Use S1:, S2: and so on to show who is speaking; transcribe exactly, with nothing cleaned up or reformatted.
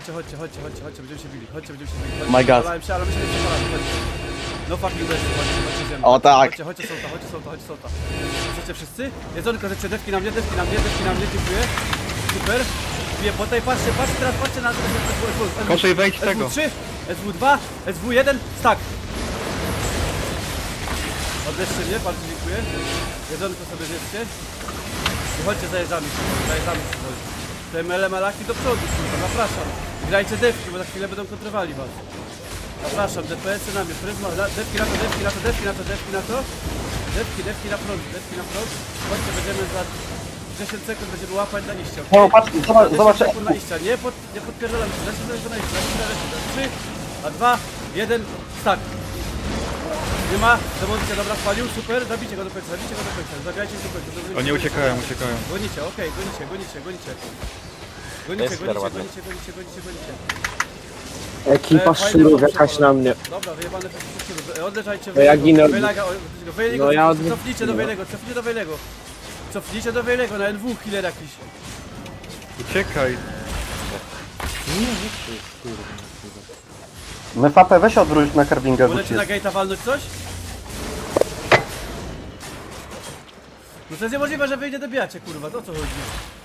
S1: chodźcie, chodźcie, chodźcie, chodźcie, chodźcie, będziemy się bili, chodźcie, będziemy się bili. Chodźcie,
S2: My God.
S1: Przekonałem się, ale my się nie przekonamy, chodźcie. No fucking west, chodźcie, chodźcie ziemię.
S2: O, tak.
S1: Chodźcie, chodźcie solta, chodźcie solta, chodźcie solta. Chcecie wszyscy? Jedzonko, chcecie dewki na mnie, dewki na mnie, dewki na mnie, dziękuję. Super. Bije po tej, patrzcie, patrzcie teraz, patrzcie na...
S3: Koszej, wejdź w
S1: S W
S3: tego.
S1: trzy, S W dwa, S W jeden, stack. Odlećcie mnie, bardzo dziękuję. Jedzonko sobie zjedzcie. I chodźcie, zajeżdżamy się, zajeżdżamy się. Te melemalaki do przodu, kurwa, zapraszam. Grajcie dewki, bo za chwilę będą kontrowali was. Zapraszam, D P S-y na mnie, pryzma, la- dewki na to, dewki na to, dewki na to, dewki na to. Dewki, dewki na front, dewki na front. Chodźcie, będziemy za dziesięć sekund będziemy łapać na iście, okej?
S2: No, patrz, zobacz,
S1: dziesięć
S2: zobacz.
S1: sekund na iścia, nie, pod, nie podpierdalam się, lecimy tylko na iście, lecimy na iście. trzy, a dwa, jeden, start. Nie ma, demoncja, dobra, spalił, super, zabijcie go do końca, zabijcie go do końca, zabijajcie go do końca. do-
S3: Oni uciekają, uciekają.
S1: Gonicie, okej, gonicie, gonicie, gonicie. Gonicie,
S2: Jest
S1: gonicie,
S2: ładnie.
S1: gonicie, gonicie, gonicie, gonicie.
S4: Ekipa
S1: E, fajny
S4: szczurów
S1: bomb
S4: jakaś
S1: przepalony.
S4: na mnie.
S1: Dobra, wyjebane szczurów. Odleżajcie
S4: To ja ginę od-
S1: Wejlega, Wejlego,
S4: No ja od-
S1: cofnijcie do Wejlego, cofnijcie do Wejlego. Cofnijcie do Wejlego, na N W killer jakiś.
S3: Uciekaj.
S2: Mefapę weź odwróć na karbingę, bo
S1: Możecie na gate'a walnąć coś? No to jest niemożliwe, że wy nie dobijacie, kurwa, to o co chodzi?